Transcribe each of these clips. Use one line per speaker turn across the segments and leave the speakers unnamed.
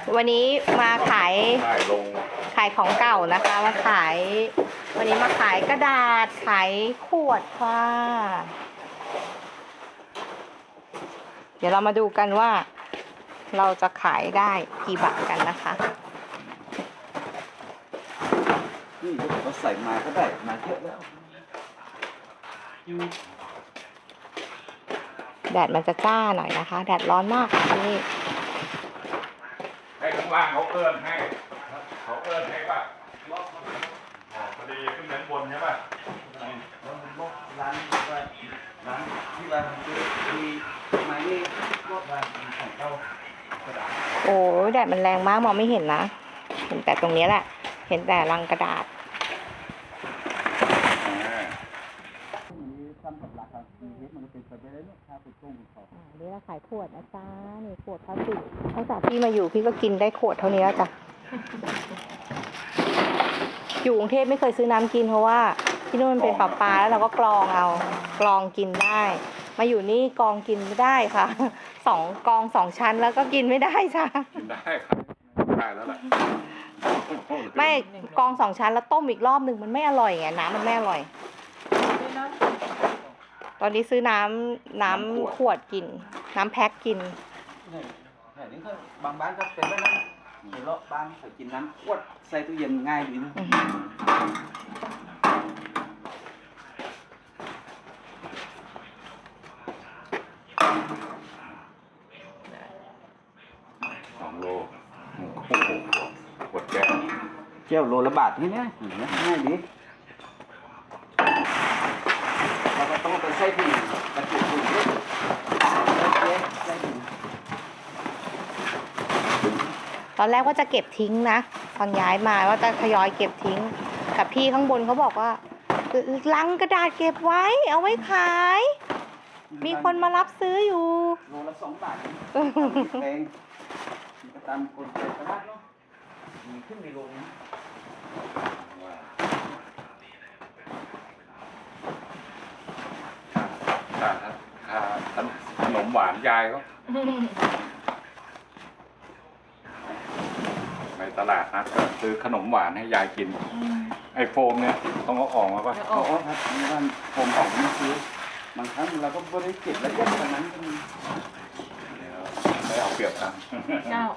วันนี้มาขายของเก่านะคะมาขายวันนี้มาขายกระดาษขายขวดค่ะเดี๋ยวเรามาดูกันว่าเราจะขายได้กี่บาทกันนะคะ
นี่เราใส่มาก็ได้มาเยอะแล้ว
แดดมันจะจ้าหน่อยนะคะแดดร้อนมากค่ะนี่
ให้ข้างล่างเขาเอิ้นให้ป่ะพอดีขึ้นด้านบนใช่ป่ะ
ร้านที่ร้านมีไม้นี่รอบร้านของเจ้ากระดาษ
โอ้แดดมันแรงมากมองไม่เห็นนะเห็นแต่ตรงนี้แหละเห็นแต่รังกระดาษนี่เราขายขวดนะจ๊ะนี่ขวดพลาสติกตั้งแต่พี่มาอยู่พี่ก็กินได้ขวดเท่านี้แล้วจ้ะอยู่กรุงเทพไม่เคยซื้อน้ำกินเพราะว่าที่นู่นมันเป็นปลาแล้วเราก็กรองกินได้มาอยู่นี่กรองกินไม่ได้ค่ะกรอง2 ชั้นแล้วก็กินไม่ได้จ้ะ
กินได้ครับได้แล้วแหละ
ไม่กรอง2 ชั้นแล้วต้มอีกรอบหนึ่งมันไม่อร่อยไงน้ำมันไม่อร่อยตอนนี้ซื้อน้ำขวดกินน้ำแพ็คกิน
นี่ก็บางบ้านก็เป็นแบบนั้นเดี๋ยวเราบ้านเขากินน้ำขวดใส่ตู้เย็นง่ายดีนะ
2 โลขวดแก้ว
เจ้าโลละบาทนี่เนี่ยง่ายดีเราก็ต้องไปใส่ถุงกระจุกถุง
ตอนแรกว่าจะเก็บทิ้งนะตอนย้ายมาว่าจะทยอยเก็บทิ้งกับพี่ข้างบนเขาบอกว่าลังกระดาษเก็บไว้เอาไว้ขายมีคนมารับซื้ออยู่
โลละ2 บาทแพงตามคนใจตลาดเนาะมีขึ้นในโรงนะ
ขนมหวานยายเขาไปตลาดนัดก็ซื้อขนมหวานให้ยายกินไอโฟมเนี่ยต้องเอาออกมาป่ะ
ครับนี่มันผมของไม่ซื้อบางครั้งเราก็ไม่ได้เก็บแล้วก็ตอนนั้น
ไม่เอาเปรียบนะ
เจ้า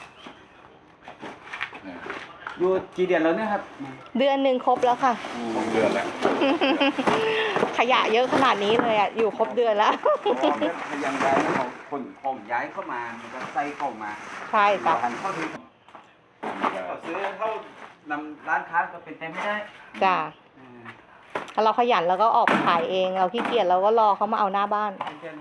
อยู่กี่เดือนแล้วเนี่ยครับ
เดือนหนึ่งครบแล้วค่ะ
เดือนแล้ว
ขยะเยอะขนาดนี้เลยอ่ะอยู่ครบเดือนแล้ว
ยังย้ายของย้ายเข้ามามันก็ใส่เข้ามา
ใช่จ้ะ
เข้าถึงซื้อเข้านำร้านค้าก็เป็นไปไม่ได้
จ้ะถ้าเราขยันเราก็ออกไปขายเองเราขี้เกียจเราก็รอเขามาเอาหน้าบ้าน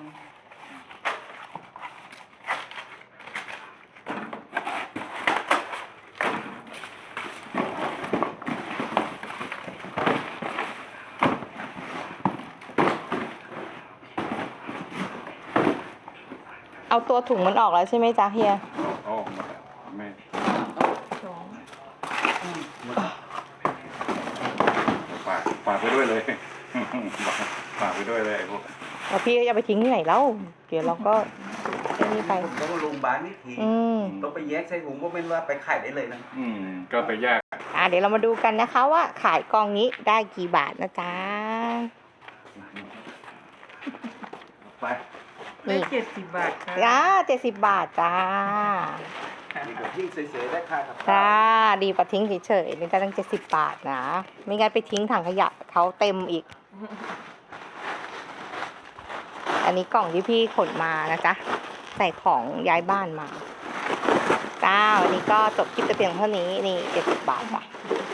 เอาตัวถุงมันออกแล้วใช่ไหมจ๊ะเฮีย
ออกหมดแล้วแม่ฝากไปด้วยเลยฝากไปด้วยเลยพวก
แล้วพี่ก็จะไปทิ้งที่ไหนแล้วเดี๋ยวเราก็นี่ไป
ต้องลงบ้านนี่ทีต้องไปแยกใส่ถุงก็เป็นว่าไปขายได้เลยนะ
ก็ไปแยก
เดี๋ยวเรามาดูกันนะคะว่าขายกองนี้ได้กี่บาทนะจ๊ะ
ไป
ได้70 บาทค่ะ
จ้า70 บาทจ้า
ดีกว่าทิ้งเฉยๆได้ค่ะครับ
จ้าดีกว่าทิ้งเฉยๆนี่ได้ตั้ง70 บาทนะไม่งั้นไปทิ้งถังขยะเขาเต็มอีกอันนี้กล่องที่พี่ขนมานะจ๊ะใส่ของย้ายบ้านมาจ้าวันนี้ก็จบคลิปแต่เพียงเท่านี้นี่70 บาทจ้ะ